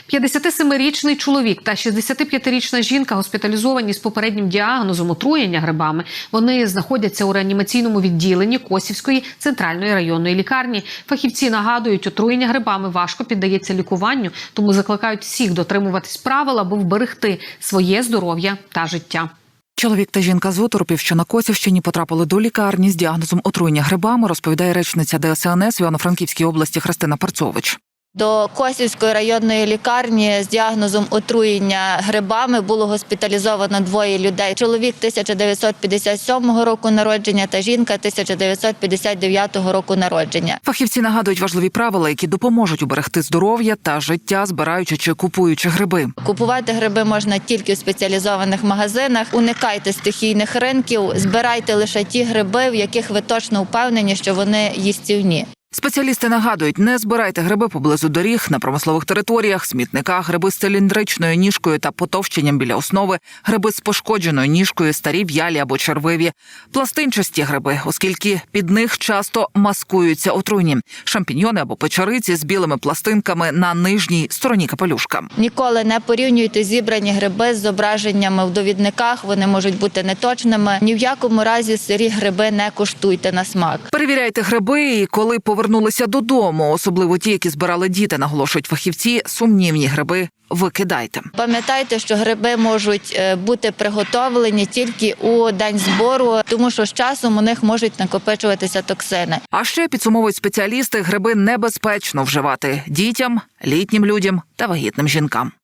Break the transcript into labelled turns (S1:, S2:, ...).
S1: 57-річний чоловік та 65-річна жінка госпіталізовані з попереднім діагнозом отруєння грибами. Вони знаходяться у реанімаційному відділенні Косівської центральної районної лікарні. Фахівці нагадують, отруєння грибами важко піддається лікуванню, тому закликають всіх дотримуватись правил, аби вберегти своє здоров'я та життя.
S2: Чоловік та жінка з Уторопів, що на Косівщині, потрапили до лікарні з діагнозом отруєння грибами, розповідає речниця ДСНС в Івано-Франківській області Христина Парцович.
S3: До Косівської районної лікарні з діагнозом отруєння грибами було госпіталізовано двоє людей. Чоловік 1957 року народження та жінка 1959 року народження.
S2: Фахівці нагадують важливі правила, які допоможуть уберегти здоров'я та життя, збираючи чи купуючи гриби.
S3: Купувати гриби можна тільки в спеціалізованих магазинах. Уникайте стихійних ринків, збирайте лише ті гриби, в яких ви точно впевнені, що вони їстівні.
S2: Спеціалісти нагадують, не збирайте гриби поблизу доріг, на промислових територіях, смітниках, гриби з циліндричною ніжкою та потовщенням біля основи, гриби з пошкодженою ніжкою, старі, в'ялі або червиві, пластинчасті гриби, оскільки під них часто маскуються отруйні, шампіньйони або печериці з білими пластинками на нижній стороні капелюшка.
S3: Ніколи не порівнюйте зібрані гриби з зображеннями в довідниках, вони можуть бути неточними. Ні в якому разі сирі гриби не куштуйте на смак.
S2: Перевіряйте гриби і коли повернулися додому, особливо ті, які збирали діти, наголошують фахівці, сумнівні гриби викидайте.
S3: Пам'ятайте, що гриби можуть бути приготовлені тільки у день збору, тому що з часом у них можуть накопичуватися токсини.
S2: А ще, підсумовують спеціалісти, гриби небезпечно вживати дітям, літнім людям та вагітним жінкам.